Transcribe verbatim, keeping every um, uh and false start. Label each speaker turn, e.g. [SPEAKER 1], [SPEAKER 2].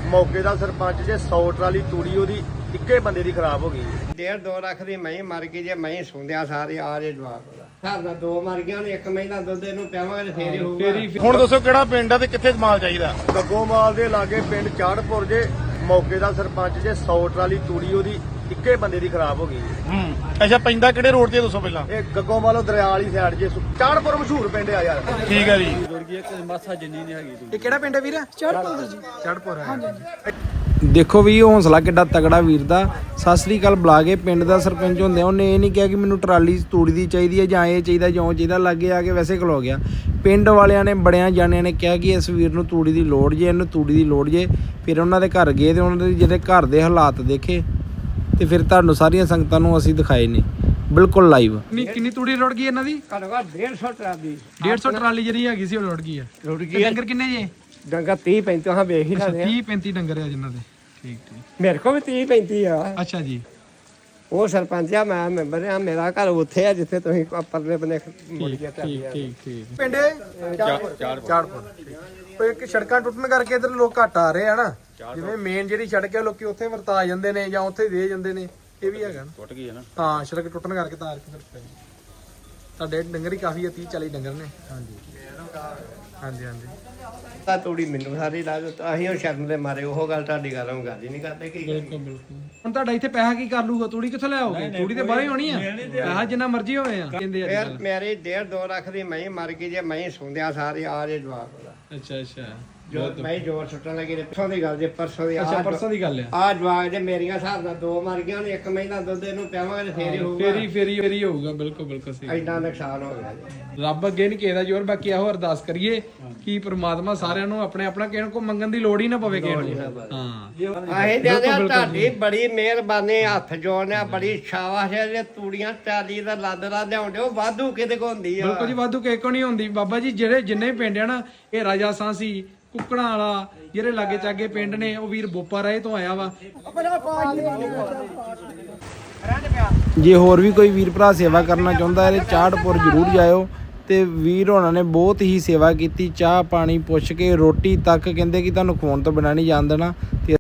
[SPEAKER 1] ਮੌਕੇ ਦਾ ਸਰਪੰਚ ਜੇ ਸੌ ਟਰਾਲੀ ਤੂੜੀ ਉਹਦੀ ਇੱਕੇ ਬੰਦੇ ਦੀ ਖਰਾਬ ਹੋ ਗਈ।
[SPEAKER 2] ਡੇਢ ਦੋ ਲੱਖ ਦੀ ਮਹੀਂ ਮਰ ਗਈ ਜੇ ਮਹੀਂ ਸੁੰਦਿਆ ਸਾਰੇ ਆ ਜੇ ਜਵਾਬ ਘਰ ਦਾ ਦੋ ਮਰ ਗਿਆ ਨੇ ਇੱਕ ਮਹੀਨਾ ਦੁੱਧ ਇਹਨੂੰ ਪਿਆਵਾਂਗੇ ਫੇਰ ਹੀ ਹੋਊਗਾ।
[SPEAKER 1] ਹੁਣ ਦੱਸੋ ਕਿਹੜਾ ਪਿੰਡ ਆ ਤੇ ਕਿੱਥੇ ਮਾਲ ਚਾਹੀਦਾ? ਗੱਗੋਮਾਲ ਦੇ ਲਾਗੇ ਪਿੰਡ ਚਾੜਪੁਰ ਜੇ ਮੌਕੇ ਦਾ ਸਰਪੰਚ ਜੇ ਸੌ ਟਰਾਲੀ ਤੂੜੀ ਉਹਦੀ ਇੱਕੇ ਬੰਦੇ ਦੀ ਖਰਾਬ ਹੋ ਗਈ।
[SPEAKER 3] ਹੂੰ ਅੱਛਾ, ਪੈਂਦਾ ਕਿਹੜੇ ਰੋਡ ਤੇ ਦੱਸੋ ਪਹਿਲਾਂ?
[SPEAKER 1] ਇਹ ਗੱਗੋਮਾਲੋਂ ਦਰਿਆ ਵਾਲੀ ਸਾਈਡ ਜੇ ਚਾੜਪੁਰ ਮਸ਼ਹੂਰ ਪਿੰਡ ਆ ਯਾਰ।
[SPEAKER 3] ਠੀਕ ਹੈ ਜੀ।
[SPEAKER 4] ਇਹ ਕਿਹੜਾ ਪਿੰਡ ਹੈ ਵੀਰ? ਚੜਪੁਰ ਜੀ।
[SPEAKER 3] ਚੜਪੁਰ ਹੈ।
[SPEAKER 4] ਦੇਖੋ ਵੀ ਹੌਸਲਾ ਕਿੱਡਾ ਤਗੜਾ ਵੀਰ ਦਾ। ਸਤਿ ਸ੍ਰੀ ਅਕਾਲ ਬੁਲਾ ਕੇ ਪਿੰਡ ਦਾ ਸਰਪੰਚ ਹੁੰਦੇ ਉਹਨੇ ਇਹ ਨਹੀਂ ਕਿਹਾ ਕਿ ਮੈਨੂੰ ਟਰਾਲੀ ਤੂੜੀ ਦੀ ਚਾਹੀਦੀ ਹੈ ਜਾਂ ਇਹ ਚਾਹੀਦਾ ਜਾਂ ਚਾਹੀਦਾ, ਲਾਗੇ ਆ ਕੇ ਵੈਸੇ ਖਲੋ ਗਿਆ। ਪਿੰਡ ਵਾਲਿਆਂ ਨੇ ਬੜਿਆਂ ਜਾਣਿਆਂ ਨੇ ਕਿਹਾ ਕਿ ਇਸ ਵੀਰ ਨੂੰ ਤੂੜੀ ਦੀ ਲੋੜ ਜੇ, ਇਹਨੂੰ ਤੂੜੀ ਦੀ ਲੋੜ ਜੇ। ਫਿਰ ਉਹਨਾਂ ਦੇ ਘਰ ਗਏ ਤੇ ਉਹਨਾਂ ਦੇ ਜਿਹੜੇ ਘਰ ਦੇ ਹਾਲਾਤ ਦੇਖੇ ਤੇ ਫਿਰ ਤੁਹਾਨੂੰ ਸਾਰੀਆਂ ਸੰਗਤਾਂ ਨੂੰ ਅਸੀਂ ਦਿਖਾਏ ਨੇ ਬਿਲਕੁਲ ਲਾਈਵ।
[SPEAKER 3] ਕਿੰਨੀ ਤੂੜੀ ਰੁੜ ਗਈ ਇਹਨਾਂ ਦੀ?
[SPEAKER 2] ਘੱਟੋ ਘੱਟ ਡੇਢ ਸੌ ਟਰਾਲੀ
[SPEAKER 3] ਡੇਢ ਸੌ ਟਰਾਲੀ ਜਿਹੜੀ ਹੈਗੀ ਸੀ ਉਹ ਰੁੜ ਗਈ ਆ।
[SPEAKER 2] ਰੁੜ
[SPEAKER 3] ਤੇ
[SPEAKER 2] ਗਈ
[SPEAKER 3] ਡੰਗਰ ਕਿੰਨੇ ਜੇ?
[SPEAKER 2] ਡੰਗਾ ਤੀਹ ਪੈਂਤੀ ਹਾਂ ਵੇਖ ਹੀ ਲੈਣੇ
[SPEAKER 3] ਤੀਹ ਪੈਂਤੀ ਡੰਗਰ ਆ ਜਿਨ੍ਹਾਂ ਦੇ। ਠੀਕ ਠੀਕ।
[SPEAKER 2] ਮੇਰੇ ਕੋਲ ਵੀ ਤੀਹ ਪੈਂਤੀ ਆ।
[SPEAKER 3] ਅੱਛਾ ਜੀ।
[SPEAKER 2] ਉਹ ਸਰਪੰਚ ਆ, ਮੈਂ ਮੈਂਬਰ ਆ। ਮੇਰਾ ਘਰ ਉੱਥੇ ਆ ਜਿੱਥੇ ਤੁਸੀਂ ਪਰਲੇ ਬੰਨੇ ਮੁੜ ਗਿਆ
[SPEAKER 3] ਠੀਕ ਠੀਕ ਠੀਕ।
[SPEAKER 4] ਪਿੰਡ ਚਾੜਪੁਰ। ਕੋਈ ਇੱਕ ਸੜਕਾਂ ਟੁੱਟਣ ਕਰਕੇ ਇਧਰ ਲੋਕ ਘੱਟ ਆ ਰਹੇ ਆ ਨਾ, ਜਿਵੇਂ ਮੇਨ ਜਿਹੜੀ ਸੜਕ ਹੈ ਲੋਕੀ ਉੱਥੇ ਵਰਤਾ ਜਾਂਦੇ ਨੇ ਜਾਂ ਉੱਥੇ ਦੇ ਜਾਂਦੇ ਨੇ। ਇਹ ਵੀ ਹੈਗਾ ਨਾ, ਟੁੱਟ ਗਈ ਹੈ ਨਾ। ਹਾਂ, ਸੜਕ ਟੁੱਟਣ ਕਰਕੇ ਤਾਰ ਕੇ ਫਿਰ ਤੁਹਾਡੇ ਡੰਗਰ ਹੀ ਕਾਫੀ ਆ, ਤੀਹ ਚਾਲੀ ਡੰਗਰ ਨੇ। ਹਾਂਜੀ ਹਾਂਜੀ ਹਾਂਜੀ।
[SPEAKER 2] ਤਾਂ ਤੂੜੀ ਮੈਨੂੰ ਸਾਰੀ ਲਾ ਦਿੱਤੀ। ਅਸੀਂ ਉਹ ਸ਼ਰਮ ਦੇ ਮਾਰੇ ਉਹ ਗੱਲ ਤੁਹਾਡੀ ਗੱਲ ਨੂੰ ਗੱਲ ਹੀ ਨਹੀਂ ਕਰਦੇ ਕੀ
[SPEAKER 3] ਬਿਲਕੁਲ ਬਿਲਕੁਲ। ਹੁਣ ਤੁਹਾਡਾ ਇੱਥੇ ਪੈਸਾ ਕੀ ਕਰ ਲੂਗਾ? ਤੂੜੀ ਕਿੱਥੋਂ ਲੈ ਆਓਗੇ? ਤੂੜੀ ਤੇ ਬਾਹਰ ਹੀ ਹੋਣੀ ਆ। ਪੈਸਾ ਜਿੰਨਾ ਮਰਜ਼ੀ ਹੋਵੇ ਆ ਕਹਿੰਦੇ ਅੱਜ
[SPEAKER 2] ਫਿਰ
[SPEAKER 3] ਕੱਲ੍ਹ।
[SPEAKER 2] ਮੇਰੀ ਡੇਢ ਦੋ ਲੱਖ ਦੀ ਮਹੀਂ ਮਰ ਗਈ ਜੇ ਮਹੀਂ ਸੁੰਦਿਆ ਸਾਰੇ ਆ ਜੇ ਜਵਾਬ ਦਾ
[SPEAKER 3] ਅੱਛਾ ਅੱਛਾ।
[SPEAKER 2] ਜੋ ਮੈਂ ਜੋਰ ਸੁੱਟਣ ਲੱਗੀ ਤੇ ਪਰਸੋਂ ਦੀ ਗੱਲ ਜੇ ਪਰਸੋਂ ਦੀ
[SPEAKER 3] ਅੱਛਾ
[SPEAKER 2] ਆ
[SPEAKER 3] ਪਰਸੋਂ ਦੀ ਗੱਲ ਆ।
[SPEAKER 2] ਆ ਜਵਾਬ ਜੇ ਮੇਰੀਆਂ ਹਿਸਾਬ ਨਾਲ ਦੋ ਮਰ ਗਈਆਂ ਨੇ ਇੱਕ ਮਹੀਨਾ ਦੁੱਧ ਇਹਨੂੰ ਪਿਆਵਾਂਗੇ ਫੇਰ ਹੀ ਹੋਊਗਾ।
[SPEAKER 3] ਫੇਰੀ ਫੇਰੀ ਫੇਰੀ ਹੋਊਗਾ। ਬਿਲਕੁਲ ਬਿਲਕੁਲ ਸਹੀ।
[SPEAKER 2] ਐਡਾ ਨੁਕਸਾਨ ਹੋ ਗਿਆ ਜੀ।
[SPEAKER 3] ਰੱਬ ਅੱਗੇ ਨਹੀਂ ਕਿਸੇ ਦਾ ਜ਼ੋਰ। ਬਾਕੀ ਇਹੋ ਅਰਦਾਸ ਕਰੀਏ ਕਿ ਪ੍ਰਮਾਤਮਾ ਸਾਰਿਆਂ ਨੂੰ ਆਪਣੇ ਆਪਣਾ ਕਿਸੇ ਨੂੰ ਮੰਗਣ ਦੀ ਲੋੜ ਹੀ ਨਾ ਪਵੇ ਕਿਸੇ ਨੂੰ। ਹਾਂ
[SPEAKER 2] ਅਸੀਂ ਕਹਿੰਦੇ ਆ ਤੁਹਾਡੀ ਬੜੀ ਮਿਹਰਬਾਨੀ, ਹੱਥ ਜੋੜਨਿਆ, ਬੜੀ ਸ਼ਾਬਾਸ਼ ਹੈ ਜੇ ਤੂੜੀਆਂ ਚਾਲੀ ਦਾ ਲੱਦ ਲਾ ਲਿਆਉਂਦੇ ਉਹ ਵਾਧੂ ਕਿਤੇ ਕੋ ਹੁੰਦੀ ਆ।
[SPEAKER 3] ਬਿਲਕੁਲ ਜੀ, ਵਾਧੂ ਕਿਸੇ ਕੋ ਨਹੀਂ ਹੁੰਦੀ ਬਾਬਾ ਜੀ। ਜਿਹੜੇ ਜਿੰਨੇ ਪਿੰਡ ਆ ਨਾ, ਇਹ ਰਾਜਾ ਸਾਂਸੀ ਕੁੱਕੜਾਂ ਵਾਲਾ ਜਿਹੜੇ ਲਾਗੇ ਚਾਗੇ ਪਿੰਡ ਨੇ, ਉਹ ਵੀਰ ਬੋਪਾ ਰਾਏ ਤੋਂ ਆਇਆ ਵਾ।
[SPEAKER 4] ਜੇ ਹੋਰ ਵੀ ਕੋਈ ਵੀਰ ਭਰਾ ਸੇਵਾ ਕਰਨਾ ਚਾਹੁੰਦਾ ਹੈ ਚਾੜਪੁਰ ਜ਼ਰੂਰ ਜਾਇਓ। ਤੇ ਵੀਰ ਹੋਣਾ ਨੇ ਬਹੁਤ ਹੀ ਸੇਵਾ ਕੀਤੀ, ਚਾਹ ਪਾਣੀ ਪੁੱਛ ਕੇ ਰੋਟੀ ਤੱਕ ਕਹਿੰਦੇ ਕਿ ਤੁਹਾਨੂੰ ਖਵਾਉਣ ਤੋਂ ਬਿਨਾਂ ਨਹੀਂ ਜਾਣ ਦੇਣਾ। ਤੇ